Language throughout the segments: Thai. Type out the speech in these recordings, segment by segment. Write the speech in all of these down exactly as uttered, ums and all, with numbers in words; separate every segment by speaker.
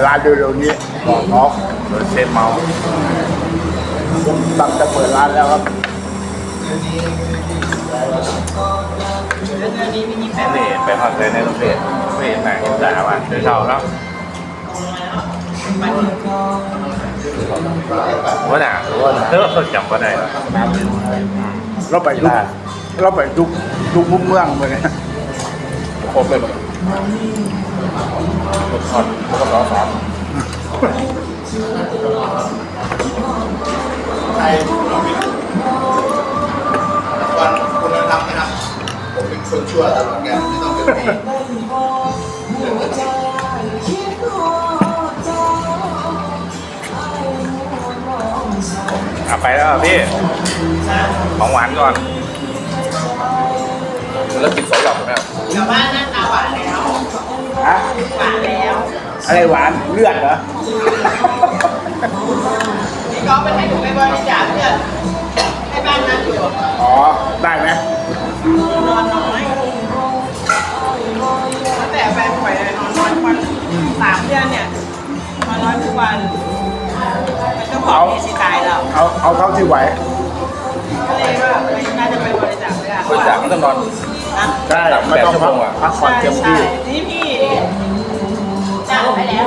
Speaker 1: ร้านเร็วๆนี้บอกน้องโดยเซนเมาตั้งจะเปิดร้านแล้วครับ
Speaker 2: นี่เป็นคอนเทนต์ในโรงเรียนไม่เห็นไหนเห็นแต่ว่าเดี๋ยวเช่าแล้วว่าหนาเออจำว่าได้
Speaker 1: เราไปทุกเราไปทุกทุกมุมเมืองเลยนะ
Speaker 2: ครบเลยหมดรถทอดรถล้อสาม
Speaker 3: ไทยวันคุณธรรมนะครับผมเป็นคนชั่วตลอดการไม่ต้องเป็นปี
Speaker 2: อ่ะไปแล้วพี่ของหวานก่อนแล้วกินสองหลอดไหมครับ
Speaker 4: เดี๋ยวบ้านหน้าตาหวานแล้ว
Speaker 1: ฮะ
Speaker 4: หวานแล้ว
Speaker 1: อะไรหวานเลือดเหรอ
Speaker 4: พี่ก๊อฟไปให้หนูไปบริจาคเลือดให้บ้านนั้นอยู่
Speaker 1: อ๋อได้ไหม
Speaker 4: นอนน้อยตั้งแต่แฟนป่วยเลยนอนน้อยทุกวันสามเดือนเนี่ยนอนน้อยทุกวันมันก็บอกเอซิตายแล้ว
Speaker 1: เอาเอาเท่าที่ไหว
Speaker 4: ก็เลยว่าไม่น่าจะไปบริจาคเลือด
Speaker 2: บริจาคไม่ต้องนอน
Speaker 4: นะ
Speaker 1: ใช่ไม่ต้องพักพักผ่อนเต็มที่
Speaker 4: นี่พี่จ่ายไปแล้ว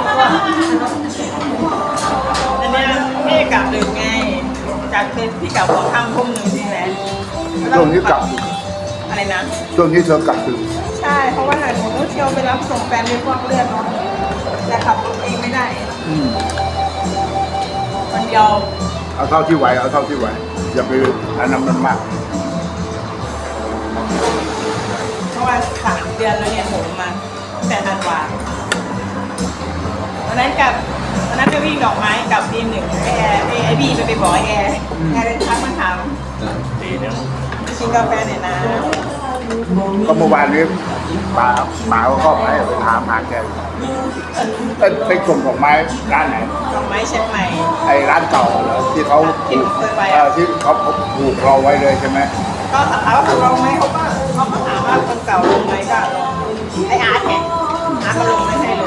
Speaker 4: อันเนี้ยพี่กลับดึกไงจากเคสพี่กลับหัวค่ำทุ่มหนึ่งใช่ไหม
Speaker 1: ช่วงนี้กลับ
Speaker 4: อะไรนะ
Speaker 1: ช่วงนี้เธอกลับถึง
Speaker 4: ใช่ เพราะว่าหนูต้องเที่ยวไปรับส่งแฟนด้วยพวกเลือดเนาะแต่ขับรถเองไม่ได้
Speaker 1: อืม
Speaker 4: มันเดียว
Speaker 1: เอาเท่าที่ไหวเอาเท่าที่ไหวอย่าไปอันนั้นมันมาก
Speaker 4: เพราะว่าสามเดือนแล้วเนี่ยผมมาตั้งแต่ธันวาวันนั้นกับวันนั้นไปวิ่งดอกไม้กับทีมหนึ่งไอแอร์ไอไอบีไปไปบอกไอแอร์แอร์เป็นทักมาถาม
Speaker 2: ตีเนี่ย
Speaker 4: กินกาแฟหน่อยนะ
Speaker 1: ก็เมื่อวานนี้ป๋าป๋าก็ไปไปถามหาแกเอ้ยไปส่งดอกไม้ร้านไหน
Speaker 4: ดอกไม้เชียงใหม่
Speaker 1: ไอ้ร้านเก่าเหรอที่เขา
Speaker 4: ที่หนูเคยไป
Speaker 1: เอ
Speaker 4: อ่ะ
Speaker 1: อที่เขาผูกเราไว้เลยใช่ไหม
Speaker 4: ก็ถามว่าเขาลงไหมเขาก็เขาก็ถามว่าคนเก่าลงไหมก็ลงไออาร์ตเนี่ยอาร์ตก็ลงไม่ให้เลย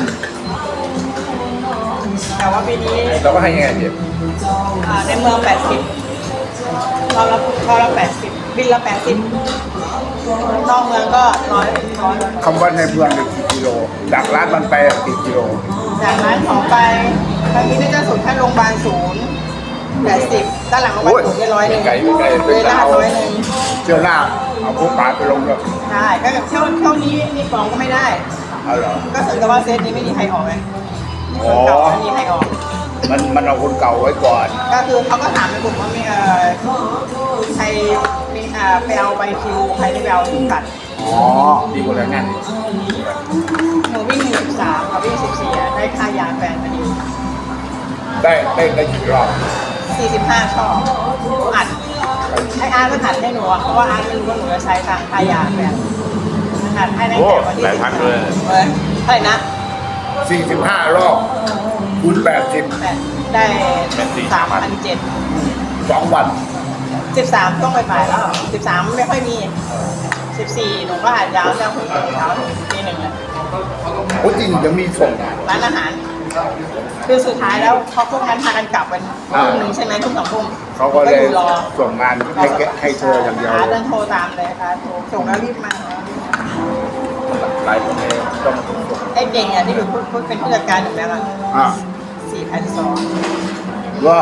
Speaker 4: แต่ว่าปีนี้
Speaker 2: เราก็ให้ยังไงพี่
Speaker 4: อ่าในเมืองแปดสิบเราละเราละแปดสิบบินละแปดสิบนอกเมืองก็ร้อยร้อย
Speaker 1: คำว่าในเมืองหนึ่งกี่กิโลจากร้านมันไปกี่กิโล
Speaker 4: จากนั้นของไปทางนี้น่าจะสุดแค่โรงพยาบาลศูนย์แปดสิบด้านหลังโรงพยาบาลศูนย์ได้ร้อยหนึ่ง
Speaker 2: ไกลไม่ไกล
Speaker 4: เลยลาดร้อยหนึ่ง
Speaker 1: เที่ยวหน้าเอาพวกป๋าไปลงเลย
Speaker 4: ใช่ก็แบบเที่ยวเที่ยวนี้นี่ฟองก็ไม่ได้
Speaker 1: เอาเหรอ
Speaker 4: ก็ถึงกับว่าเซตนี้ไม่มีใครออกไง
Speaker 1: อ๋อ
Speaker 4: เก่าไม่มีใครออก
Speaker 1: มันมันเอาคนเก่าไว้ก่อน
Speaker 4: ก็คือเขาก็ถามในกลุ่มว่ามีเอ่อใครมีอ่าไปเอาใบคิวใครได้ไปเอาถึงกัด
Speaker 1: อ๋อ
Speaker 2: ดีกว่าแรงงาน
Speaker 4: หนูวิ่งสิบสามกับวิ่งสิบสี่ได้ค่ายาแฟนพอดี
Speaker 1: ได้ได้ได้กี่รอบ
Speaker 4: สี่สิบห้าช่ออัดไออาร์ตก็อัดให้หนูอะเพราะว่าอาร์ตไม่รู้ว่าหนูจะใช้ทางค่ายาแฟนอัดให้ตั้ง
Speaker 2: โอ้
Speaker 4: แต่วันที่
Speaker 2: หลายพันเลย
Speaker 4: เว้ยเท่าไหร่นะ
Speaker 1: สี่สิบห้ารอบคูณแปดสิบ
Speaker 4: แปดได้สามพันเจ็ด
Speaker 1: สองวัน
Speaker 4: สิบสามต้องไปฝ่ายแล้วสิบสามไม่ค่อยมีสิบสี่หนูก็อัดยาวจากหกโมงเช้าถึงตีหนึ่งเลย
Speaker 1: โอ้จริงจะมีส่ง
Speaker 4: ร้านอาหาร คือสุดท้ายแล้วเขาพวกนั้นพากันกลับกันทุ่มหนึ่งใช่ไหมทุ่มสองทุ่ม
Speaker 1: เขาก็เลย
Speaker 4: อยู่รอ
Speaker 1: ส่งงานให้แกให้เธออย่างเดียว
Speaker 4: อาร์ตเดินโทรตามเลยค่ะโทรส่งแล้วรีบมา
Speaker 2: หลายคนเลยต้อง
Speaker 4: ไอ้เก่งอ่ะที่อยู่พูดเป็นผู้จัดการอยู่แล้วอ่ะ
Speaker 1: อ่ะ
Speaker 4: สี่พันสอง
Speaker 1: ว่า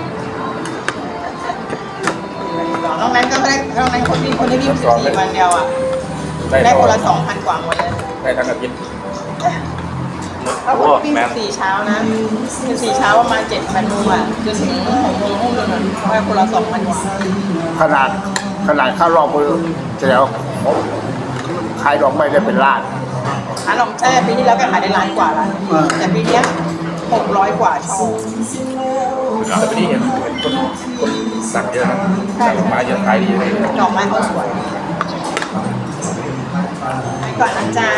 Speaker 4: นอกนั้นก็ได้นอกนั้นคนที่คนที่วิ่งสิบสี่วันเดียวอ่ะ
Speaker 2: ได้
Speaker 4: ได้
Speaker 2: ร
Speaker 4: ค
Speaker 2: อน
Speaker 4: ละสองพันกว่าหมดเลย
Speaker 2: ได้ทั้งอาทิตย์
Speaker 4: ถ้าคนวิ่งสิบสี่เช้านะสิบสี่เช้าประมาณเจ็ดพันนู่อ่ะจนถึงหกโมงทุ่มหนึ่งอ่ะได้คนละสองพันกว่า
Speaker 1: ขนาดขนาดค่ารอบก็จะแล้วขายดอกไม้ได้เป็นล้าน
Speaker 4: ร้านขนมใช่ปีที่แล้วก็ขายได้ล้านกว่าละ
Speaker 1: เออ
Speaker 4: แต่ปีเนี้ยหกร้อยกว่าช่อง
Speaker 2: แต่ปีนี้เห็นเห็นคนคนสั่งเยอะนะสั่งดอกไม้เยอะขายดีเลย
Speaker 4: ดอกไม้เขาสวยไปก่อนนะจ๊ะ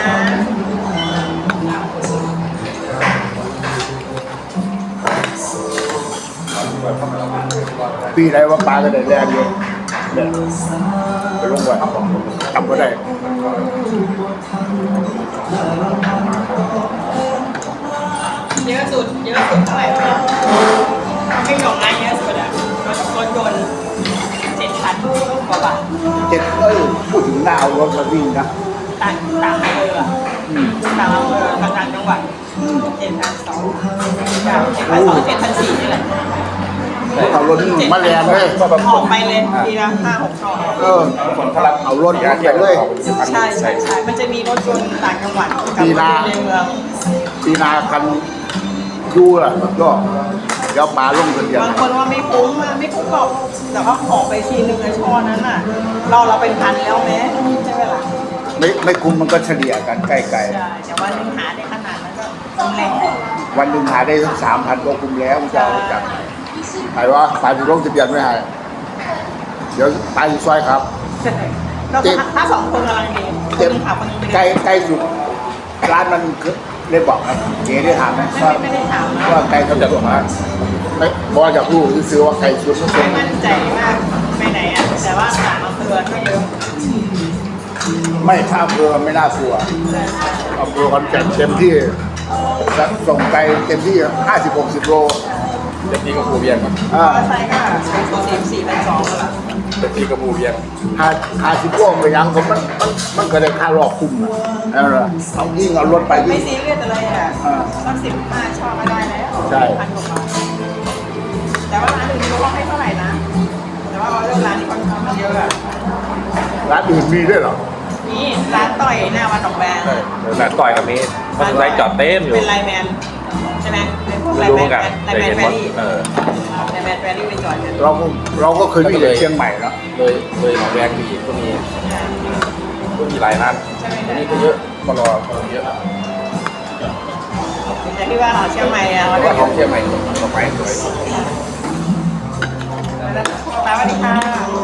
Speaker 1: ปีไหนว่าปลาก็ได้แรงเยอะเนี่ยไปลงไว้ทำก็ได้
Speaker 4: เยอะสุดเยอะสุดเท่าไหร่วะไม่ของงานเยอะสุดอะรถรถยนต์เจ็ดพันกว่าบาท
Speaker 1: เจ็ดเอ้ยพูดถึงหน้าเอารถมาวิ่งนะ
Speaker 4: ต่างต่างอำเภออะ
Speaker 1: อืม
Speaker 4: ต่างอำเภอกับต่างจังหวัดเจ็ดพันสองเจ็ดพันสองเจ็ดพันสี่นี่แหละ
Speaker 1: เอารถมาแรงเลย
Speaker 4: ออกไปเลยทีละห้าหกช่อง
Speaker 1: เออ
Speaker 2: คนเขารับ
Speaker 1: เอารถ
Speaker 2: ยา
Speaker 1: มา
Speaker 2: เที่ยว
Speaker 1: เลย
Speaker 4: ใช่ใช่ใช่มันจะมีรถยนต์ต่างจังหวัดกับรถยนต์ในเมือง
Speaker 1: ปีนาคันดูล่ะแล้วก็เดี๋ยวปลาลงกันเดียว
Speaker 4: บางคนว่าไม่คุ้มอะไม่คุ้มหรอกแต่ว่าออกไปทีนึงในช่อนั้นน่ะ เราเราเป็นพันแล้วแม้ใช่ไหมล่ะ
Speaker 1: ไม่ไม่คุ้มมันก็เฉลี่ยกันใกล้
Speaker 4: ใช่แต่ว่านึงหาได้ขนาดนั้นก็ต้องแรง
Speaker 1: ๆวันหนึ่งหาได้สักสามพันก็คุ้มแล้วมันจะเอาไปจากใครว่าปลาจะลงทะเบียนไม่ให้เดี๋ยวปลาอยู่ซอยครับ
Speaker 4: เราถ้าสองคนกำลังดีคน
Speaker 1: เจ็บ
Speaker 4: นึงขับคนนึง
Speaker 1: ใกล้ใกล้สุดร้านมันคือได้บอกครับเก๋ได้ถามไหม
Speaker 4: ไม่
Speaker 1: ว่า
Speaker 4: ไม่ได้ถามนะ
Speaker 1: ว่าไกลสุดจากมาไม่บอกจากลูกซื้อว่าไกลสุดไม่
Speaker 4: ไม่
Speaker 1: ใช่
Speaker 4: มั่นใจมากไปไหนอ่ะแต่ว่าต่างอำเภอก็เยอะ
Speaker 1: ไม่ถ้าอำเภอไม่น่ากลัวอำเภอคอนแก่นเต็มที่ส่งไกลเต็มที่ห้าสิบหกสิบโล
Speaker 2: เด็กที่กับภูเวียงครับ
Speaker 1: อ่า
Speaker 4: ก็ใช่ก็ตัวสี่สี่พันสองแล้วล่ะ
Speaker 2: เด็กที่กับภูเวียง
Speaker 1: ห้าห้าสิบโลไปยังผมมันมันมันก็ได้ค่ารอบคุ้มนะนั่นแหละเอายิ่งเอารถไป
Speaker 4: ไม่
Speaker 1: ยิ่ง
Speaker 4: ซีเรียสอะไรอ่ะ
Speaker 1: อ่า
Speaker 4: สักสิบห้าช่อก็ได้แล้ว
Speaker 1: ใช่
Speaker 4: พันกว่าบาทแต่ว่าร้านอื่นไม่รู้ว่าให้เท่าไหร่นะ แต่ว่าเรื่องร้านนี้ค่อนข้างเยอะอะ
Speaker 1: ร้านอื่นมีด้วยเหรอ
Speaker 4: นี่ร้านต่อยหน้าวันดอกแบง
Speaker 2: ใช่ร้านต่อยกับนี้มันถึงไรจอดเต็มอยู่
Speaker 4: เป็นไลน์แมนใช่ไหมเป็นพวกไล
Speaker 2: ไม่
Speaker 4: น์
Speaker 2: รู้
Speaker 4: แม
Speaker 2: เหมือน
Speaker 4: น
Speaker 2: กัน
Speaker 4: ไลน์
Speaker 2: แต่
Speaker 4: แมน
Speaker 2: เห็น
Speaker 4: แฟ
Speaker 2: ว่า
Speaker 4: รี่
Speaker 2: เออ
Speaker 4: ไลน์แมนแฟรี่ไปจอดกัน
Speaker 1: เราก็เราก็เคยมีแต่เชียงใหม่เนาะ
Speaker 2: เลยเลยหนองแวงมีก็มีก็มีหลายร้าน
Speaker 4: ใช่ไหม
Speaker 2: อันนี้ก็เยอะมารอคนเยอะ
Speaker 4: แต่ที่ว่าเราเชียงใหม่อะ
Speaker 2: เพ
Speaker 4: เรา
Speaker 2: ราะ
Speaker 4: ได้
Speaker 2: ว่าของเชียงใหม่ดอกไม้สวย
Speaker 4: สวัสดีค่ะ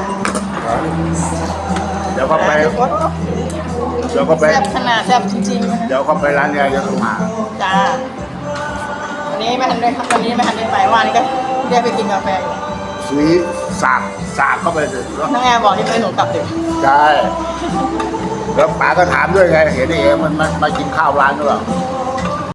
Speaker 1: เดี๋ยวก็ไปเดี๋ยวก็ไป
Speaker 4: แซ่บขนาดแซ่บจริงๆนะคะ
Speaker 1: เดี๋ยวก็ไปร้านยายจะมา
Speaker 4: จ้าวันนี้ไม่ทันได้ครับวันนี้ไม่ทันได้ไปวันนี้ก็เรียกไปกินกาแฟอยู่
Speaker 1: ซื้อสากสากเข้าไปเลยเนาะ
Speaker 4: น้องแอร์บอกที่ไปหนูกลับดึก
Speaker 1: ใช่แล้วป๋าก็ถามด้วยไงเห็นไอ้เอ๋มันมันมากินข้าวร้านหรือเปล่า